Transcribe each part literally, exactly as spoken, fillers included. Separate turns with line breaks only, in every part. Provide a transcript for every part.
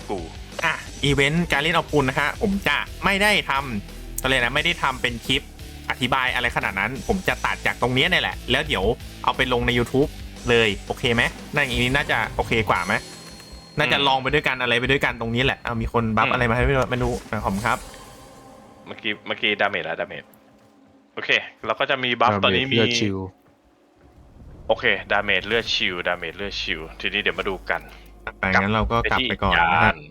กู
อ่ะอีเวนต์การเล่นเอาปุนนะฮะผมจะไม่ได้ทำอะไรนะไม่ได้ทำเป็นคลิปอธิบายอะไรขนาดนั้นผมจะตัดจากตรงนี้นี่แหละแล้วเดี๋ยวเอาไปลงใน YouTube เลยโอเคไหมนั่นอย่างนี้น่าจะโอเคกว่าไหมน่าจะลองไปด้วยกันอะไรไปด้วยกันตรงนี้แหละเอามีคนบัฟอะไรมาให้ไม่รู้ขอบคุณครับ
เมื่อกี้เมื่อกี้ดาเมจแล้วดาเมจโอเคเราก็จะมีบัฟตอนนี้มีโอเคดาเมจเลือดชิลดาเมจเลือดชิลทีนี้เดี๋ยวมาดูกัน
ไปงั้นเราก็กลับไปก่อนนะฮะ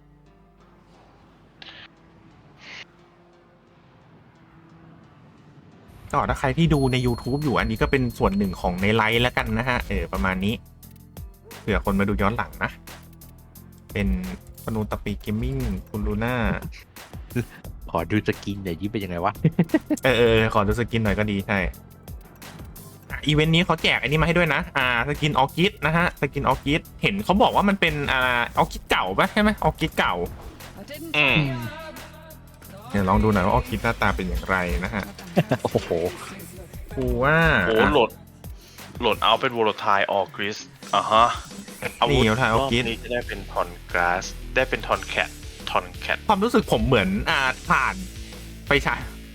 ก็ถ้าใครที่ดูใน YouTube อยู่อันนี้ก็เป็นส่วนหนึ่งของในไลฟ์แล้วกันนะฮะเออประมาณนี้เผื่อคนมาดูย้อนหลังนะเป็นปนูตะปีเกมมิ่งคุณลูน่า
ขอดูสกินหน่อยยิ้มเป็นยังไงวะ
เออเออขอดูสกินหน่อยก็ดีใช่อีเวนต์นี้เขาแจกอันนี้มาให้ด้วยนะอ่าสกินออคิดนะฮะสกินออคิดเห็นเขาบอกว่ามันเป็นอ่าออคิดเก่าปะใช่ไหมออคิดเก่า
อืม
เดี๋ยวลองดูหน่อยว่าออคิดหน้าตาเป็นอย่างไรนะฮะ
โอ้โห
กูว่า
โอ้โหโหลดโหลดเอาเป็นวอลทายออกริสอ่ะฮะ
อาวุธรอบ
นี้จะได้เป็นทอนกราสได้เป็นทอนแคททอนแคท
ความรู้สึกผมเหมือนอ่าผ่านไปใช้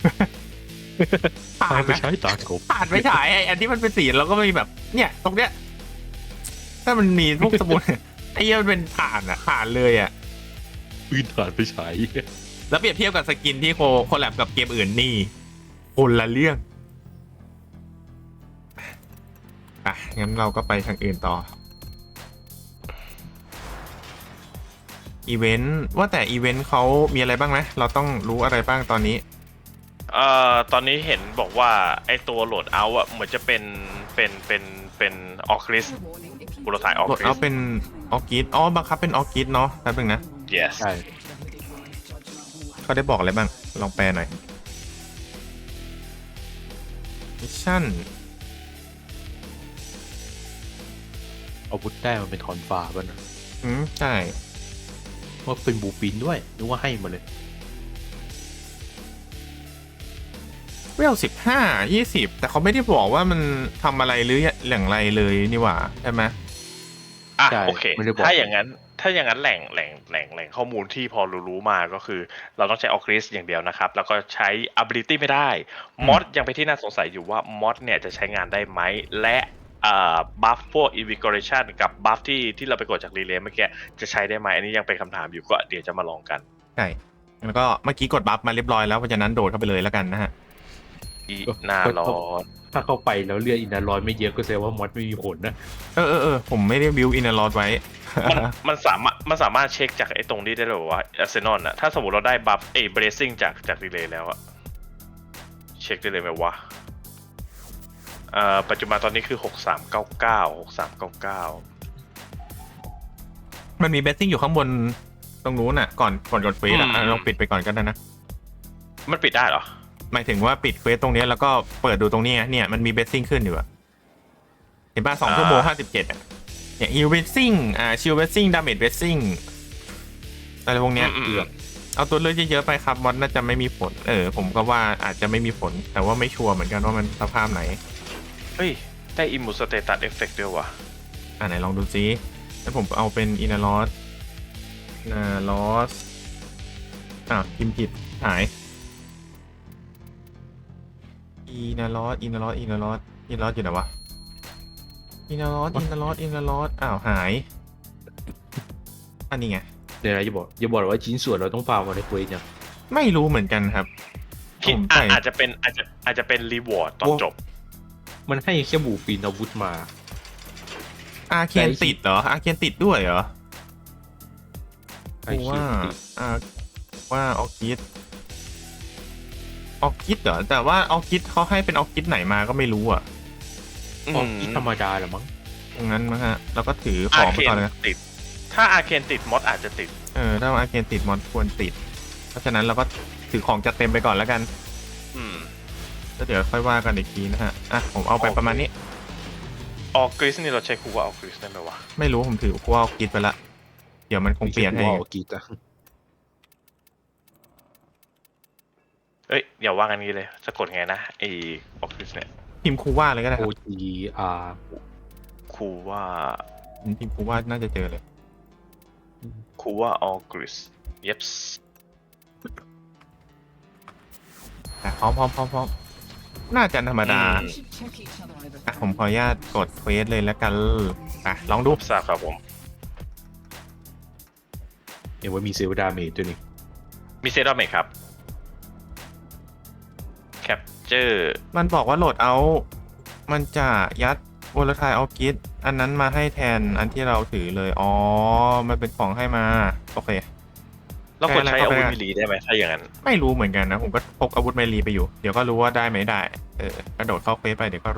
ผ่านไปใช้ตากบ
ผ่านไปฉายไอ้อันที่มันเป็นสีแล้วก็มีแบบเนี่ยตรงเนี้ยถ้ามันมีพวกสมุนไอ้เหี้ยมันเป็นผ่านอ่ะผ่านเลยอ่ะ
ปืนผ่านไปฉาย
แล้วเปรียบเทียบกับสกินที่โคโคแลบกับเกมอื่นนี่คนละเรื่องอ่ะงั้นเราก็ไปทางอื่นต่ออีเวนต์ว่าแต่อีเวนต์เขามีอะไรบ้างไหมเราต้องรู้อะไรบ้างตอนนี้
เอ่อตอนนี้เห็นบอกว่าไอตัวโหลดเอาอะเหมือนจะเป็นเป็นเป็นเป็นออคริสบุรถ่ายออคริส
เอาเป็นออคิดอ๋อบังคับเป็นออคิดเนาะแป๊บนึงนะ
yes
ใช่
เขาได้บอกอะไรบ้างลองแปลหน่อยมิชชั่น
อาวุธได้มันเป็นทอนฟ้าป่ะนะ
อืมใช่
ว่าเป็นบูปินด้วยนึกว่าให้มาเลย
เวลสิบห้ายี่สิบแต่เขาไม่ได้บอกว่ามันทำอะไรหรืออย่างไรเลยนี่หว่าใช่ไหม
อ่ะโอเคถ้าอย่างนั้นถ้าอย่างนั้นแหล่งแหล่งแหล่งแหล่งข้อมูลที่พอรู้ๆมาก็คือเราต้องใช้ออคริสอย่างเดียวนะครับแล้วก็ใช้ ability ไม่ได้มอดยังเป็นที่น่าสงสัยอยู่ว่ามอดเนี่ยจะใช้งานได้ไหมและอ่าบัฟพวก invigoration กับบัฟที่ที่เราไปกดจากรีเลย์เมื่อกี้จะใช้ได้ไหมอันนี้ยังเป็นคำถามอยู่ก็เดี๋ยวจะมาลองกัน
ใช่แล้วก็เมื่อกี้กดบัฟมาเรียบร้อยแล้วเพราะฉะนั้นโดดเข้าไปเลยแล้วกันนะฮะ
อีน่ารอ
ถ้าเข้าไปแล้วเลือดอินทรอยไม่เยอะก็แสดงว่ามอดไม่มีผลนะ
เออเออเออผมไม่ได้บิวอินทรอยไว้
มันมันสามารถมันสามารถเช็คจากไอ้ตรงนี้ได้เลยว่าอาร์เซนอลอะถ้าสมมติเราได้บัฟเอเบรซิ่งจากจากรีเลย์แล้วอะเช็คได้เลยไหมวะเอ่อปัจจุบันตอนนี้คือหกสามเก้าเก้า หกสามเก้าเก้า
มันมีเบสซิ่งอยู่ข้างบนตรงนู้นน่ะก่อนก่อนกดเฟสอ่ะลองปิดไปก่อนก็ได้นะ
มันปิดได้เหรอ
หมายถึงว่าปิดเควสตรงนี้แล้วก็เปิดดูตรงนี้เนี่ยมันมีเบสซิ่งขึ้นอยู่อะเห็นป่ะสองชั่วโมงห้าสิบเจ็ดอะอย่างฮิลเบสซิ่งอ่าชิลเบสซิ่งดาเมจเบสซิ่งอะไรพวกเนี้ยเอาตัวเลือกเยอะๆไปครับมอดน่าจะไม่มีผลเออผมก็ว่าอาจจะไม่มีผลแต่ว่าไม่ชัวร์เหมือนกันว่ามันสภาพไหน
เฮ้ยได้อิมมูสเตตัสเอฟเฟกต์ด้วยวะ
อ่าไหนลองดูซิแล้วผมเอาเป็นอินาลอสนาลอสอ่ะพิมพ์ผิดหายอินาลอสอินาลอสอินาลอสอินาลอสอยู่ไหนวะอินาลอสอินาลอสอินาลอสอ้าวหายอันนี้ไง
เดี๋ยวนะอย่าบอกอย่าบอกว่าชิ้นส่วนเราต้องฟาร์มมาในเควสเนี่ย
ไม่รู้เหมือนกันครับ
คิดอาจจะเป็นอาจจะอาจจะเป็นรีวอร์ดตอนจบ
มันให้แค่บูปีนอาวุธมา
อาเคนติดเหรออาเคนติดด้วยเหรอว่าอ่าว่าออคิดออคิดเหรอแต่ว่าออคิดเขาให้เป็นออคิดไหนมาก็ไม่รู้อ่ะ
ออคิดธรรมดาเหรอมั้ง
ตรงนั้นมั้งฮะเราก็ถือของไปก่อนนะ
ติดถ้าอาเคนติดมอดอาจจะติด
เออถ้าอาเคนติดมอดควรติดเพราะฉะนั้นเราก็ถือของจัดเต็มไปก่อนแล้วกัน
อืม
แล้วเดี๋ยวค่อยว่ากันอีกทีนะฮะอ่ะผมเอาไปประมาณนี้
ออกกริสนี่เราใช้คูว่าออกกริสได้ไหมวะ
ไม่รู้ผมถือคูว่าออกกริสไปละเดี๋ยวมันคงเปลี่ยนให้
ออกกริสอะ
เอ้ยอย่าว่ากันนี้เลยสะกดไงนะไอออกกริสเนี่ย
พิมพ์คูว่าเลยก็ได้
O G R
คูว่า
พิมพ์คูว่าน่าจะเจอเลย
คูว่าออกริสเย็บ
อ่ะพร้อมพร้อมพร้อมพร้อมน่าจะธรรมดาอ่ะผมขออนุญาตกดเควสเลยแล้วกันอ่ะลองดู
ทราบครับผม
เห็นว่ามีเซลล์ดาเมจด้วยนี่
มีเซตอัพไหมครับแคปเจอร์
มันบอกว่าโหลดเอา มันจะยัดวอลทายออฟกิสอันนั้นมาให้แทนอันที่เราถือเลย อ๋อ มันเป็นของให้มา โอเค
แล้วควรใช้อาวุธ
ได้
มิลีได้ไหมถ้าอย่างนั้น
ไม่รู้เหมือนกันนะ ผมก็พกอาวุธเมลีไปอยู่ เดี๋ยวก็รู้ว่าได้ไหมได้ เออกระโดดเข้าเควสไปเดี๋ยวก็รู้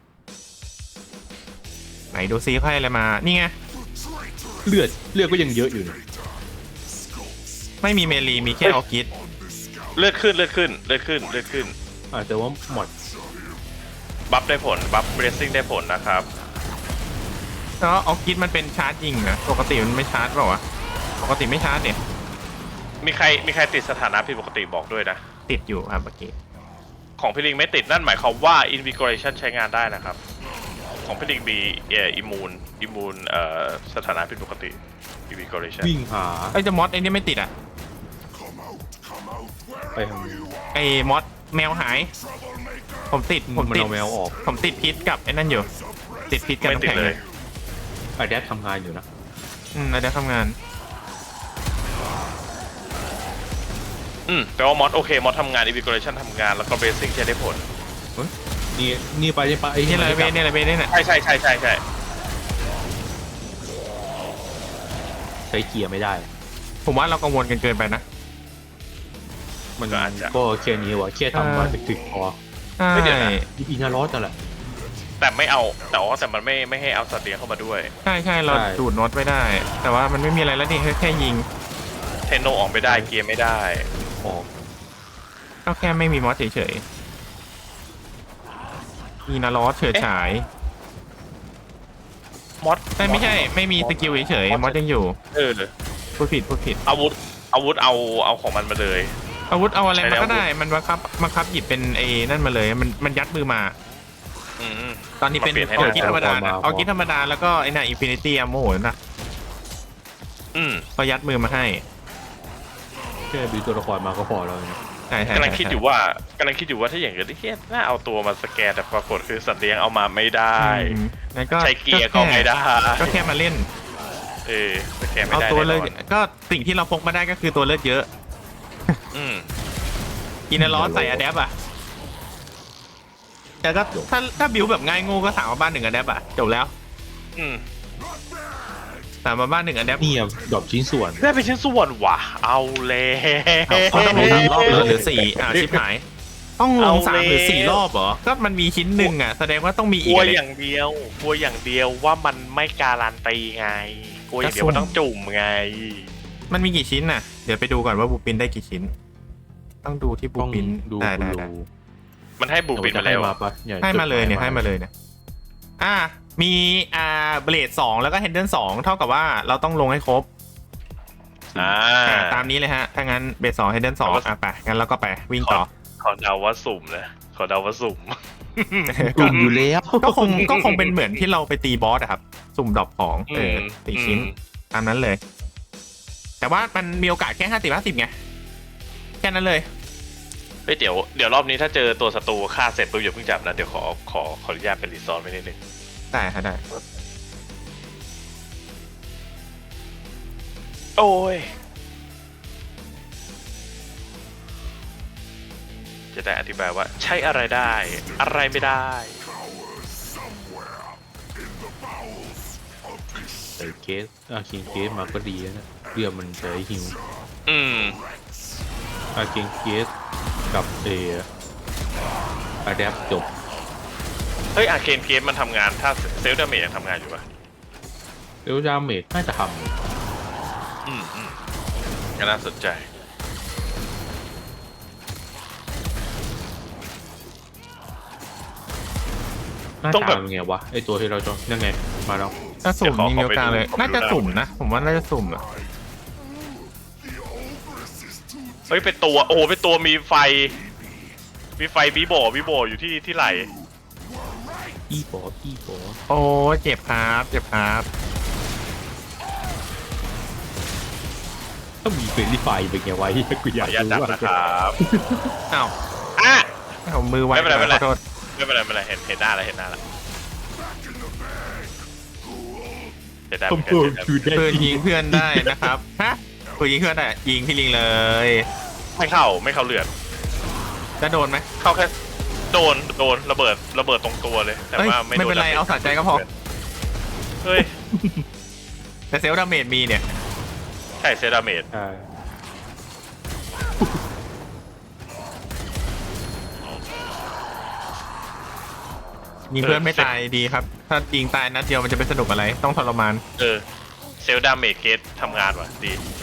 ไหนดูซิให้อะไรมา นี่ไง
เลือดเลือดก็ยังเยอะอยู่นี่
ไม่มีเมลีมีแค่ออกิส
เลือดขึ้นเลือดขึ้นเลือดขึ้นเลือดขึ้น
อ่าแต่ว่าหมด
บัฟได้ผลบัฟเบรซิ่งได้ผลนะครับ
แล้วออกิสมันเป็นชาร์จยิงนะ ปกติมันไม่ชาร์จเปล่าวะ ปกติไม่ชาร์จเนี่ย
มีใครมีใครติดสถานะผิดปกติบอกด้วยนะ
ติดอยู่ครับเมื่อกี้
ของพี่ลิงไม่ติดนั่นหมายความว่า Invigoration ใช้งานได้นะครับ ของพี่ลิงมีเอ่ออิมูนอิมูนเอ่อสถานะผิดปกติ Invigoration
วิ่งหา
ไอ้จะมอสไอ้นี่ไม่ติดอ่ะ
ไปทาง
ไอ้มอสแมวหาย ผมติด ผม
มัน
ติด
เอาแมวออก
ผมติดพิษกับไอ้นั่นอยู่ ติดพิษกับ
ไม่
น้ำ
ติด
แข็ง
เลย
อะแดปทำงานอยู่นะ
อืมไอ้เดี๋ยวทำงาน
อืมแปลว่ามอสโอเคมอสทำงาน Invigoration ทำงานแล้วก็เบสิ่งใช้ได้ผล
นี่นี่ไปนี่ไปไอ้
นี่อะไรเบ
จั
นนี่อะไรเบนนี่น่ะ
ใช่ใช่ใช่ใช่ใช่
ใช้เกียร์ไม่ได้
ผมว่าเรากังวลกันเกินไปนะ
มัน
ก็อาจจะ
ก็แค่นี้วะแค่ทำมาถึกๆพอ
ใช่
ไม่เดี๋ยวนะ
อีนารอสนั่นแหละ
แต่ไม่เอาแต่ว่าแต่มันไม่ไม่ให้เอาสัตว์เลี้ยงเข้ามาด้วย
ใช่ใช่เรา
ใช่
ดูดโน็อตไม่ได้ แต่ว่ามันไม่มีอะไรแล้วนี่แค่แค่ยิง
เทนโนออกไม่ได้เกียร์ไม่ได้
ออก
ก็แค่ไม่มีมอสเฉยๆมีนาลอสเฉิดฉาย
มอส
แต่ไม่ใช่ไม่มีสกิลเฉยๆมอสยังอยู่
เออ
พูดผิดพูดผิด
อาวุธอาวุธเอาเอาของมันมาเลย
อาวุธเอาอะไร
ใช้
มา
แล้ว
ก็ได้ มันบังคับบังคับหยิบเป็นไอ้นั่นมาเลย มันมันยัดมือมา
อืม
ตอนนี้เป็น
มาเปลี่ยนให้
ออ
ได้
กิธรรมดานะออกิธรรมดาแล้วก็ไอ้น่ะอินฟินิตี้อัมโมนะ
อืม
ก็ยัดมือมาให้
แค่บิวตัวละครมาก็พอแล้วนะ
ใช่ใช่
กำลังคิดอยู่ว่ากำลังคิดอยู่ว่าถ้าอย่างเงี้ยเฮียน่าเอาตัวมาสแกนแต่ปรากฏคือสัตว์เลี้ยงเอามาไม่ได้
อืมงั้นก็
ใช้เกียร์ก็ไม่ได้
ก็แค่มาเล่น
เออสแกนไม่
เอา
ได้
ตัวเลื
แน่
อด
นอน
ก็สิ่งที่เราพกมาได้ก็คือตัวเลือดเยอะ
อืม
อินเนอร์ลอสใส่อะแดปอ่ะแต่ก็ถ้าถ้าบิวแบบง่ายงูก็สามมาบ้านหนึ่งอะแดปอ่ะจบแล้ว
อืม
สามมาบ้านหนึ่งอะแดป
นี่อะดรอปชิ้นส่วน
ได้เป็นชิ้นส่วนว่ะเอาเลย
เขาต้องลงสามรอบเลยหรือสี่อ่าชิบหาย ต้องลงสามหรือสี่รอบเหรอ ก็มันมีชิ้นหนึ่งอ่ะแสดงว่าต้องมี
ก
อี
ลั
ก
ว
อะ
อ
ไร
ย่างเดียวกลัวอย่างเดียวว่ามันไม่การันตีไงกลัวอย่างเดียว
ก็สุ่ม
ว่าต้องจุ่มไง
มันมีกี่ชิ้นน่ะ เดี๋ยวไปดูก่อนว่าบูปินได้กี่ชิ้น ต้องดูที่บู
ต้อง
ปิน
ดู
ได้
คุณ
ได้
รู
ได้
มันให้บูปินมา
ให้
แล้ว
มาปะนี่
ให้มาเลยเนี่ยให้มาเลยเนี่ยอ่ามีอ่าเบลดสองแล้วก็เฮนเดิลสองเท่ากับว่าเราต้องลงให้ครบ
อ่า
อ่าตามนี้เลยฮะ ถ้างั้นเบลดสองเฮนเดิลสองอ่ะไปงั้นเราก็ไปวิ่งต่อ
ขอเดาว่าสุ่มนะขอเดาว่าสุ่ม
กลุ่มอยู่แล้ว
ก็คงก็คงเป็นเหมือนที่เราไปตีบอสอะครับ สุ่มดรอปของเออสี่ชิ้น ตามนั้นเลย แต่ว่ามันมีโอกาสแค่ห้าสิบห้าสิบไง แค่นั้นเลย
เฮ้ยเดี๋ยวเดี๋ยวรอบนี้ถ้าเจอตัวศัตรูฆ่าเสร็จปุ๊บอย่าเพิ่งจับนะ เดี๋ยวขอขอขออนุญาตเป็นรีซอสไว้นิดนึง
ได้ค่ะได้
โอ้ย จะได้อธิบายว่าใช้อะไรได้ อะไรไม่ได้
ใส่เคสอาคิงเคสมาก็ดีแล้วนะเพื่อมันใช้ฮิว
อืม
อาคิงเคสกับเออะแดปจบ
เฮ้ยอาร์เคนเคสมันทำงานถ้าเซลล์ดาเมจยังทำงานอยู่ปะ
เอลดาเมจน่าจะท
อืมอืมก็น่าสนใจ
ำน่า
ต้องแบบ
ทำไงวะไอตัวที่เราจองนั่นไงมาแล้ว
ถ้าสุ่ม
เดี๋ยวขอ
มีโอกาสเลย
ขอไปดู
น่าจะสุ่มนะ ผมว่าน่าจะสุ่มอะ
เฮ้ยเป็นตัวโอ้โหเป็นตัวมีไฟ มีไฟบีโบบีโบอยู่ที่ที่ไหล
อีปออีปอ
โอ้เจ็บครับเจ็บครับ
ถ้ามีเฟรนลี่ไฟเป็นไงวะกูอาย
ขอยอนุญาตจับ
รู้ว่า
นะครับ
อ้าว
อ่ะ
เอามือไว้
ไม่เป็นไรไม่เป็นไร
ขอโทษ
ไม่เป็นไรไม่เป็นไรเห็นเห็นหน้าแล้วเห็นหน้าแล้วเห็นได้
ต้
เห
อ
มื
ง
อนกัน
เพิ่ม
เห็นได้
คือได้
ปืนยิงเพื่อนได้นะครับฮะปืนยิงเพื่อนได้ยิงพี่ลิงเลย
ไม่เข้าไม่เข้าเลือด
จะโดนไหม
เข้าแค่โดนโดนระเบิดระเบิดตรงตัวเลยแต่
เอ้ย
ว่าไม่
ไม่
โด
เป็น นไร
ดมจ
เอาสะใจก็พอ
เฮ้ย
แต่เซลล์ดาเมจมีเนี่ย
ใช่เซราเมด
อ่า
ยิงเพื่อนไม่ตายดีครับ ถ้ายิงตายนัดเดียวมันจะเป็นสนุกอะไรต้องทรมาน
เออเซลดาเมจเกตทำงานว่ะดี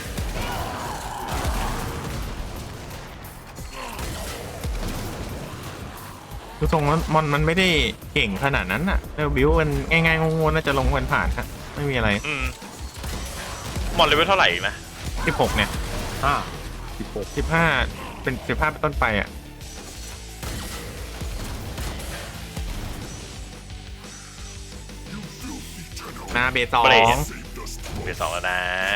คือทรงมันมอนมันไม่ได้เก่งขนาดนั้นน่ะแล้วบิวมันง่ายๆงงๆน่าจะลงกันผ่านฮะไม่มีอะไร
อืมมอนเลเวลเท่าไหร่อีกนะ
สิบหกเนี่ย
ห้าสิบหก
สิบห้าเป็นสิบห้าเป็นต้นไปอ่ะนาเบสสอง
เบรสเบสสองแล้วนะ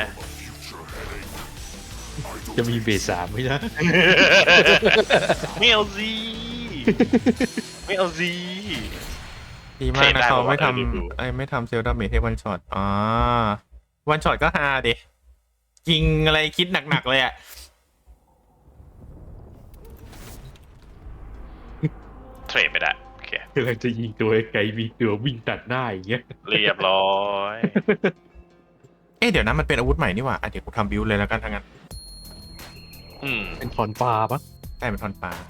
จะมีเบสสามไหมนะ
ไม่เอาซีไม่เอาซี
ดีมากนะเขาไม่ท
เทรดได้บอกว่าเออดู
ำไอ้ไม่ทำเซลล์ดาเมจให้วันช็อตอ๋อวันช็อตก็ฮาดิยิงอะไรคิดหนักๆเลยอ่ะ
เทรดไม่ได้โอเค
กำลังจะยิงตัวไกลมีตัววิ่งตัดหน้าอย่างเงี้ย
เรียบร้อย
เอ๊ะเดี๋ยวนะมันเป็นอาวุธใหม่นี่หว่าอ่ะเดี๋ยวกูทำบิวเลยแล้วกันทั้งนั้น
อืม
เป็นทอนฟ้าปะ
ได้เป็นทอนปลา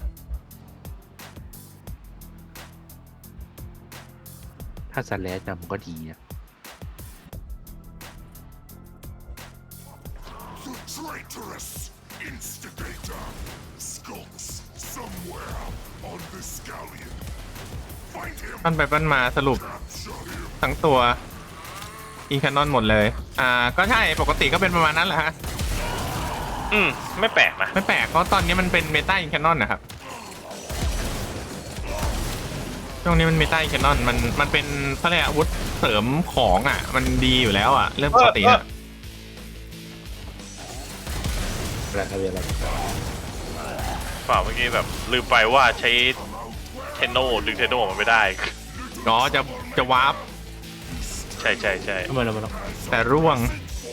ถ้าสแลชจำก็ดีนะ
The traitorous instigator skulks somewhere on this galleon. Find him,
ปั้นไปปั้นมาสรุป
capture him.
ทั้งตัวอินแคนนอนหมดเลย อ่า ก็ใช่ ปกติก็เป็นประมาณนั้นแหละฮะ
อืมไม่แปลกนะ
ไม่แปลก เพราะตอนนี้มันเป็นเมตาอินแคนนอนนะครับ ช่วงนี้มันเมตาอินแคนนอน มัน มันเป็นเขาเรียกอาวุธเสริมของอ่ะ มันดีอยู่แล้วอ่ะ เรื่องปกติอ่ะ
อะไรอะไรอะไร
ฝ่าเมื่อกี้แบบลืมไปว่าใช้เทนโนดึงเทนโนมันไม่ได้
อ๋อ จะ จะวาร์ป
ใช่ใช่ใช่
ทำไมเราไม่ต้อง
แต่ร่วง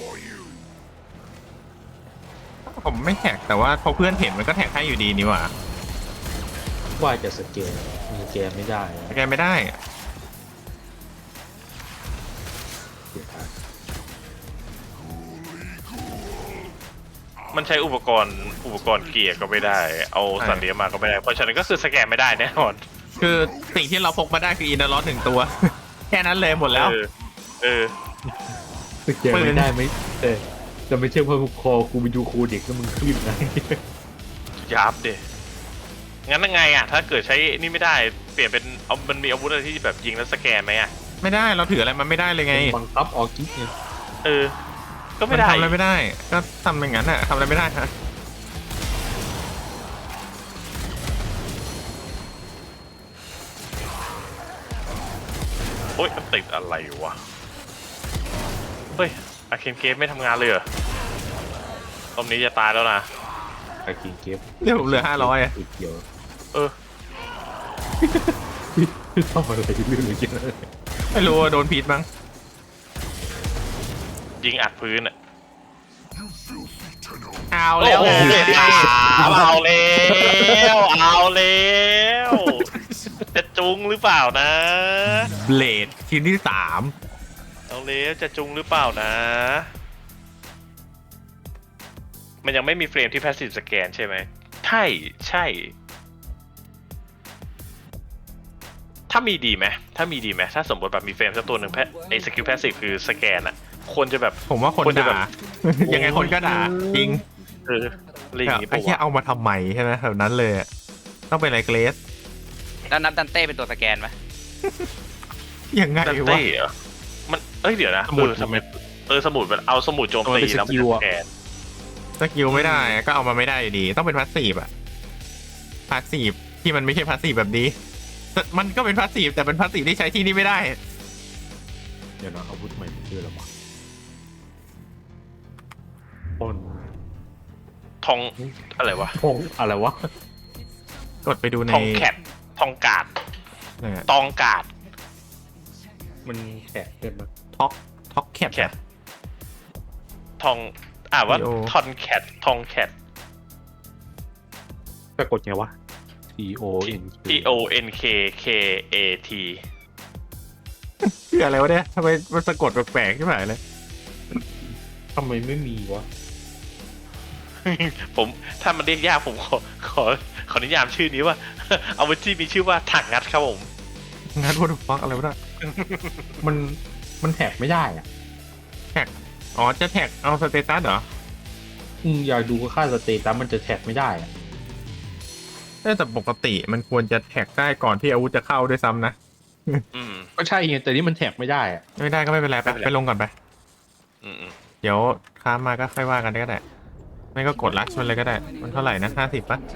ผมไม่แท็กแต่ว่าพอเพื่อนเห็นมันก็แท็กให้อยู่ดีนี่หว่า
ว่าจะสเกลมีแกมไม่ได้นะ
แกไม่ได้อะ
เสียดาย
มันใช้อุปกรณ์อุปกรณ์เกียร์ก็ไม่ได้ เอาสัตว์เลี้ยงมาก็ไม่ได้ เพราะฉะนั้นก็คือสแกนไม่ได้แน่นอน
คือสิ่งที่เราพกมาได้คืออินเดอร์ลอสหนึ่งตัว แค่นั้นเลยหมดแล้ว
เออเออ
สเกลไม่ได้ไหมเออจะไม่ใช่เพราะคอกูไปดูครูเด็กแล้วมึงขึ้นนะ
ยับเดงั้นยังไงอ่ะ ถ้าเกิดใช้นี่ไม่ได้ เปลี่ยนเป็นเอามันมีอาวุธอะไรที่แบบยิงแล้วสแกนไหมอ่ะ
ไม่ได้เราถืออะไรมันไม่ได้เลยไง
บังคับออกกิ๊กเนี่ย
เออ ก็
มั
ไม่
น
ได้
ทำอะไรไม่ได้ ก็ทำอย่างนั้นอะทำอะไรไม่ได้ฮะ
โอ๊ยมันติดอะไรวะ เฮ้ยอาเคนเกมไม่ทำงานเลยเหรอตอนนี้จะตายแล้วนะ
ไอ้กิงเก็บ
เรื่องผมเหลือห้าร้อยอะ
ติดเดียว
เออ
ทำอะไรเรื่องอะไรเยอะ
ไม่รู้ว่าโดนพิษมั้ง
ยิงอัดพื้นอ่ะ
You filthy tenno.
เอาแล้ว
โอ้โหเอาแล้วเอาแล้ว จะจุงหรือเปล่านะ
เบลดชิ้นที่สาม
เอาแล้วจะจุงหรือเปล่านะ มันยังไม่มีเฟรมที่ passive scan ใช่ไหมใช่ใช่ ถ้ามีดีไหมถ้ามีดีไหมถ้าสมมติแบบมีเฟรมสักตัวหนึ่งแพไอสกิล passive คือสแกนอะคนจะแบบ
ผมว่าคน
คนจะแบ
ด่า
บ
ยังไงคนก็ด่า จริง
เอออะไรอย่างงี้
ไอ้
ปะ
แค่
วะ
เอามาทำไมใช่ไหมแบบนั้นเลยอะต้องเป็นอะไรเกรส
แล้วนับดันเต้เป็นตัวสแกนไหม
ยังไง
ดัน
วะ
เต้เหรอมันเอ้ยเดี๋ยวนะ
สมุด
เออทำไมเออสมุดมันเอาสมุดโจมตีแล้วมันจะสแกน
สกิลไม่ได้ก็เอามาไม่ได้อยู่ดี ต้องเป็นพาสซีฟอะพาสซีฟที่มันไม่ใช่พาสซีฟแบบนี้แต่มันก็เป็นพาสซีฟแต่เป็นพาสซีฟที่ใช้ที่นี่ไม่ได้
เดี๋ยวนะอาวุธใหม่มันชื่ออะไรวะปล้น
ทองอะไรวะ
ทองอะไรวะ
กดไปดูใน
ทองแคททองกาด
นั่นอะ
ตองกาด
มันแขกเกินมา
ท็อกท็อกแคป
แคททองอ่าว่า
T O
ทอนแคททองแคท
สะกดไงวะ T O N
T O N K K A T
คืออะไรวะเนี่ยทำไมมันสะกดแปลกๆใช่ไหมเลย
ทำไมไม่มีวะ
ผมถ้ามันเรียกยากผมขอขอขอนิยามชื่อนี้ว่า เอาไว้ที่มีชื่อว่าถังงัดครับผม
งั้นวัตถุฟักอะไรวะเนี่ย
มันมันแท็กไม่ได้อ่ะ
แท็กอ๋อจะแท็กเอาสเตตัสเหรอ
อืมอยากดูค่าสเตตัสมันจะแท็กไม่ได้อ่ะ
แต่ปกติมันควรจะแท็กได้ก่อนที่อาวุธจะเข้าด้วยซ้ำนะ
อืม
ก็ใช่ไงแต่นี่มันแท็กไม่ได้อ่ะ
ไม่ได้ก็ไม่เป็นไรไป
ไม่เป็นไร
ไปลงก่อนไป
อืมอืม
เดี๋ยวค้ามาก็ค่อยว่ากันก็ได้ ไม่ก็กดลัชมันเลยก็ได้ มันเท่าไหร่นะห้าสิบป่ะ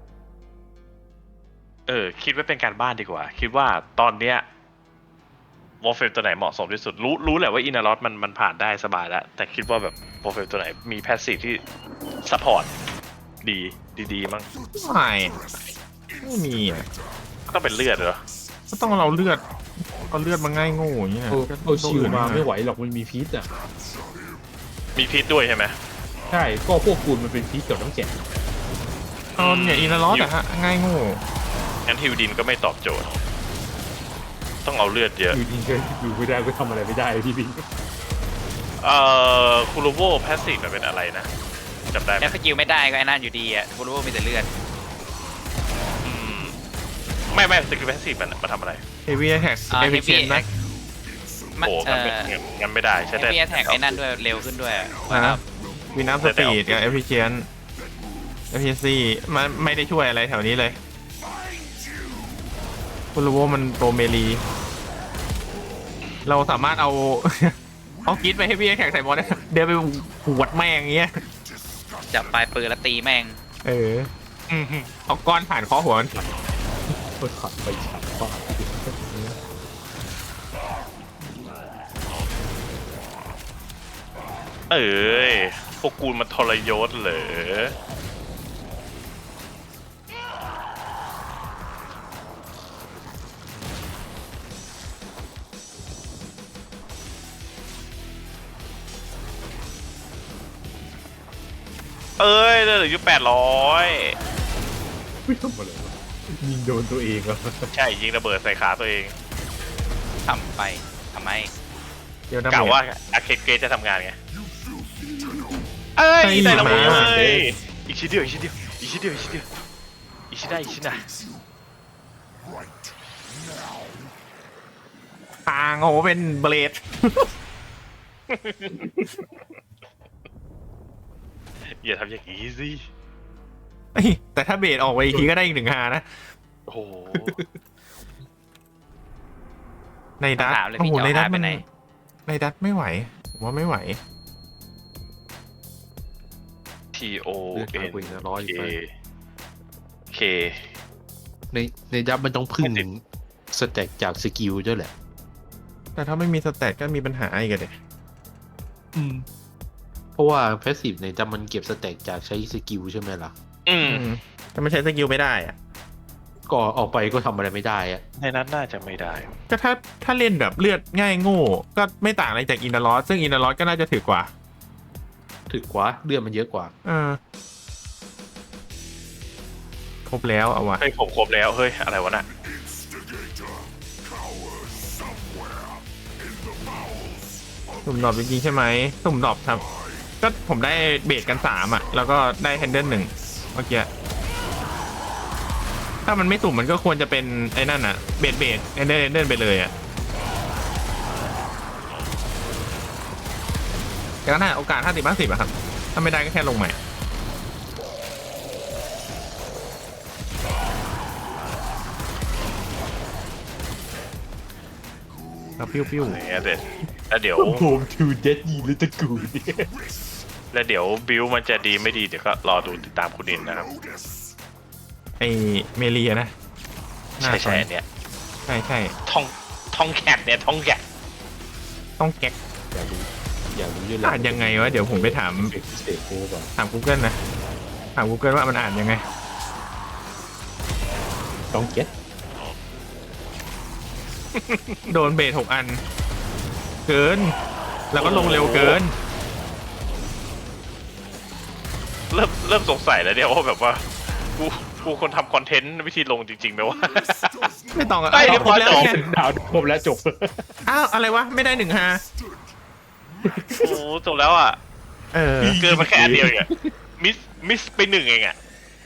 เออ คิดไว้เป็นการบ้านดีกว่า คิดว่าตอนเนี้ยวอลเฟมตัวไหนเหมาะสมที่สุด รู้รู้แหละว่าอินารอสมันมันผ่านได้สบายแล้ว แต่คิดว่าแบบวอลเฟมตัวไหนมีแพสซีฟที่ซัพพอร์ตดีดีๆมั้ง
ไม่ไม่มีอ่ะ
ต้องเป็นเลือดเหรอ
ก็ต้องเราเลือดเอาเลือดมาง่ายโง่อย่างเงี้ย
เออเอาชิวมาไม่ไหวหรอกมันมีพิษอ่ะ
มีพิษด้วยใช่ไหม
ใช่ก็พวกกูลมันเป็นพิษกับน้ำแข็ง
เอาเนี่ยอินารอสอะฮะง่ายโง่
งั้นฮิวดินก็ไม่ตอบโจทย์ ต้องเอาเลือดเยอะ
อยู่ดีก็อยู่ไม่ได้ก็ทำอะไรไม่ได้พี่บิ๊ก
เอ่อคูโรโวแพสซีฟมันเป็นอะไรนะจำได้ไหม
แอปสกิลไม่ได้ก็ไอ้นั่นอยู่ดีอ่ะกูรู้ว่ามีแต่เลือด
อืมไม่ไม่สกิลแพสซีฟมันมันทำอะไร
เฮฟวี่แท็ก
อ่า
เอ
เฮ
ฟิ
ฟ
เช
วี่
นนะ
มัน
โอ้
เอ
งั้นไม่
อ
งั้นงั้นไม่ได้ใช่
เฮ
ได้
ฟวี่แท็กไอ้นั่นด้วยเร็วขึ้นด้วย
นะวินัมสปีดกับเอฟิเชนเอฟิซีมันไม่ได้ช่วยอะไรแถวนี้เลยคุณรู้ว่ามันโปรเมลีเราสามารถเอา เอากิดไปให้พี่แข่งใส่บอลได้เดินไปหวดแม่งอย่างเงี้ย
จับปลายปืนแล้วตีแม่ง
เออเอาก้อนผ่านคอหัวมัน
ก็ขัดไปฉัดบ้า
เอ้ยพวกกูมันทรยศเหรอเอ้ยเหลืออยู่แปดร้อย
ไม่ทำอะไรวะยิงโดนตัวเองเหรอ
ใช่ยิงระเบิดใส่ขาตัวเอง
ทำไปทำไม
เดี๋ยวนะ
กล่าวว่าอาเคเกจะทำงานไง เอ้ยได้แล้วเว้ยอีกชิ้นเดียวอีกชิ้นเดียวอีกชิ้นเดียวอีกชิ้นเดียวอีกชิ้นได้อีกชิ้นนะ
ทางโอ้โหเป็นเบลด
อย่าทำอย่างนี้สิ
เอ้ยแต่ถ้าเบลดออกไปอีกทีก็ได้อีกหนึ่งฮานะ
โอ้โห
ในดัต
ถามเลย
โอ้
พี่
โห
จะ
ใน
เอา
ดั
หา
ต
ไป
มัน
ไหน
ในดัตไม่ไหวผมว่าไม่ไหว
T O
เลือด
N
มาคุยนะร้อยอยู่
K
ไป
K
ในในดับมันต้องพึ่งสแต็กจากสกิลด้วยแหละ
แต่ถ้าไม่มีสแตทก็มีปัญหาอีกอะเด็
อืมเพราะว่าแพสซีฟในดับมันเก็บสแต็กจากใช้สกิลใช่ไหมล่ะ
อืม
แต่มันใช้สกิลไม่ได้อะ
ก็ออกไปก็ทำอะไรไม่ได้อะ
ในนั้นน่าจะไม่ได้
ก็ถ้าถ้าเล่นแบบเลือดง่ายโง่ ก็ไม่ต่างอะไรจากอินดาลอสซึ่งอินดาลอสก็น่าจะถือกว่า
ถึกกว่าเลือดมันเยอะกว่า
เออครบแล้วเอาวะ
เฮ้ยผมครบแล้ว เฮ้ย อะไรวะน่ะ
สุ่มดรอปจริงๆใช่ไหมสุ่มดรอปครับ ก็ผมได้เบสกันสามอ่ะ แล้วก็ได้แฮนเดิลหนึ่งเมื่อกี้ถ้ามันไม่สุ่มมันก็ควรจะเป็นไอ้นั่นอ่ะเบสเบสแฮนเดิลแฮนเดิลไปเลยอ่ะแต่ก็น่าโอกาสห้าสิบห้าสิบอะครับ ถ้าไม่ได้ก็แค่ลงใหม่แล้วปิ้วปิ้ว
อะไรเงี้ยเด็ดแล้วเดี๋ยว
โฮมทูเดดยีลิตกูเนี่ย
แล้วเดี๋ยวบิวมันจะดีไม่ดีเดี๋ยวก็รอดูติดตามคุณดินนะครับ
ไอเมลีอะนะน่า
ใช่
ส
ใช่
น
อันเนี้ย
ใช่ใช่
ทองทองแคทเนี่ยทองแคท
ต้องแก๊ก
อยากรู้อยากรู้ด้วย
อ่านยังไงวะ เดี๋ยวผมไปถาม
เฟกเตโก้ก่อน
ถาม Google นะถาม Google ว่ามันอ่านยังไง
ต้องเก็ต
โดนเบสหกอัน เกิน แล้วก็ลงเร็วเกิน
เริ่มเริ่มสงสัยแล้วเนี่ยว่าแบบว่ากูกูคนทำคอนเทนต์วิธีลงจริงๆไหมวะ
ไม่ต้องอะ
ได้เรียบร้อย
แล้ว
จบ
ไง
ดาวครบแล้วจบ
อ้าว อะไรวะ ไม่ได้หนึ่งฮา
โอ้จบแล้วอ่ะ
เออ
เกินมาแค่อันเดียวเองอะมิสมิสไปหนึ่งเองอ่ะ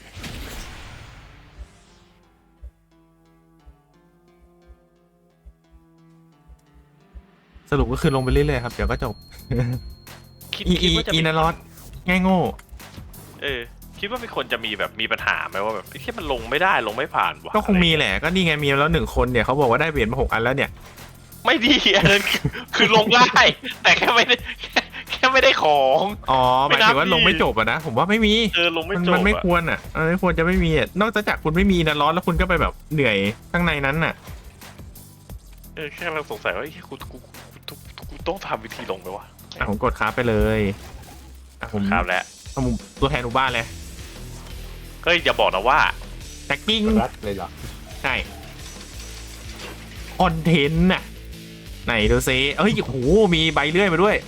สรุปก็คือลงไปเรื่อยๆครับ เดี๋ยวก็จบ
คิด
อี
คิ
อี
ดว่าจะ
อี
มี
นารอดง่ายโง่
เออคิดว่ามีคนจะมีแบบมีปัญหาไหมว่าแบบไอ้ที่มันลงไม่ได้ลงไม่ผ่านวะ
ก็คงมีแหละ ก็นี่ไงมีแล้วหนึ่งคนเนี่ยเขาบอกว่าได้เบสมาหกอันแล้วเนี่ย
ไม่ดีอันนั้นคือคือลงได้ แต่แค่ไม่ได้แค่แค่ไม่ได้ของ
อ๋อหมายถึงว่าลงไม่จบอะนะ ผมว่าไม่มี
เออลงไม่
มัน
จบ
มันไม่
อะ
ควรอ่ะมันไม่ควรจะไม่มีอ่ะนอกจากคุณไม่มีนะร้อนแล้วคุณก็ไปแบบเหนื่อยข้างในนั้นน่ะ
เออแค่เราสงสัยว่าไอ้ยกูกูกูกูกูต้องทำวิธีลงไปวะ
อ่ะผมกดค้าไปเลยอ่ะผม
ครับแล้ว
เอามุมตัวแทนหมู่บ้านเลย
เฮ้ยอย่าบอกนะว่า
แท็กกิ้ง
รัดเลยเหรอ
ใช่คอนเทนต์น่ะไหนดูซิเอ้ยโอ้โหมีใบเลื่อยมาด้วย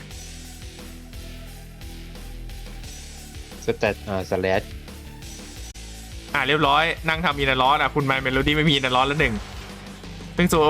สแตทอ่าสแลช
อ่ะเรียบร้อยนั่งทำอินเนอร์ร้อนอ่ะคุณไมเมโลดี้ไม่มีอินเนอร์ร้อนแล้วหนึ่งซึ่งโซ